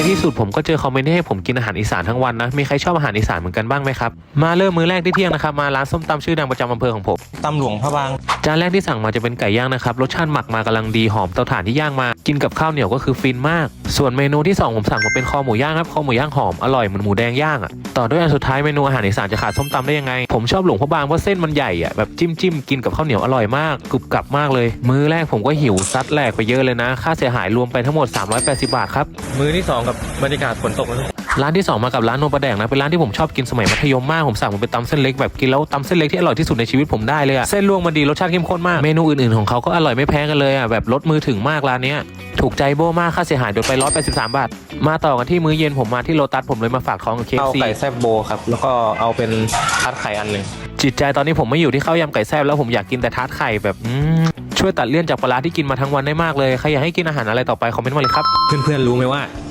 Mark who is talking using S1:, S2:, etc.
S1: ที่สุดผมก็เจอคอมเมนต์ให้ผมกินอาหารอีสานทั้งวันนะมีใครชอบอาหารอีสานเหมือนกันบ้างไหมครับมาเริ่มมื้อแรกที่เที่ยงนะครับมาร้านส้มตำชื่อดังประจำอำเภอของผม
S2: ตำหลวงพระบาง
S1: จานแรกที่สั่งมาจะเป็นไก่ย่างนะครับรสชาติหมักมากำลังดีหอมเตาถ่านที่ย่างมากินกับข้าวเหนียวก็คือฟินมากส่วนเมนูที่2ผมสั่งมาเป็นคอหมูย่างครับคอหมูย่างหอมอร่อยเหมือนหมูแดงย่างอ่ะต่อด้วยอันสุดท้ายเมนูอาหารอีสานจะขาดส้มตำได้ยังไงผมชอบหลวงพระบางเพราะเส้นมันใหญ่อ่ะแบบจิ้มกินกับข้าวเหนียวอร่อยมากกรุบกรับมากเลยมื้อแรกผมก็หิวซัดแหลกไปเยอะเลยนะค่าเสียหายรวมไปทั้งหมด380 บาทครับ
S2: มื้อที่2กับบรรยากาศฝนตก
S1: ร้านที่2มากับร้านโนปลาแดงนะเป็นร้านที่ผมชอบกินสมัยมัธยมมากผมสั่งมันเป็นตำเส้นเล็กแบบกินแล้วตำเส้นเล็กที่อร่อยที่สุดในชีวิตผมได้เลยอะเส้นลวกมันดีรสชาติเข้มข้นมากเมนูอื่นๆของเขาก็อร่อยไม่แพ้กันเลยอะแบบรสมือถึงมากร้านนี้ถูกใจโบมากค่าเสียหายโดนไป183 บาทมาต่อกันที่มื้อเย็นผมมาที่โลตัสผมเลยมาฝากท้องกับ KFC
S2: เอาไก่แซ่บโบครับแล้วก็เอาเป็นทัดไข่อันหนึ่ง
S1: จิตใจตอนนี้ผมไม่อยู่ที่ข้าวยำไก่แซ่บแล้วผมอยากกินแต่ทาร์ตไข่แบบช่วยตัดเลี่ยนจากปลาที่กินมาทั้งวันได้มากเลยใครอยากให้กินอาหารอะไรต่อไปคอมเมนต์มาเลยครับ
S2: เพื่อนๆรู้ไหมว่า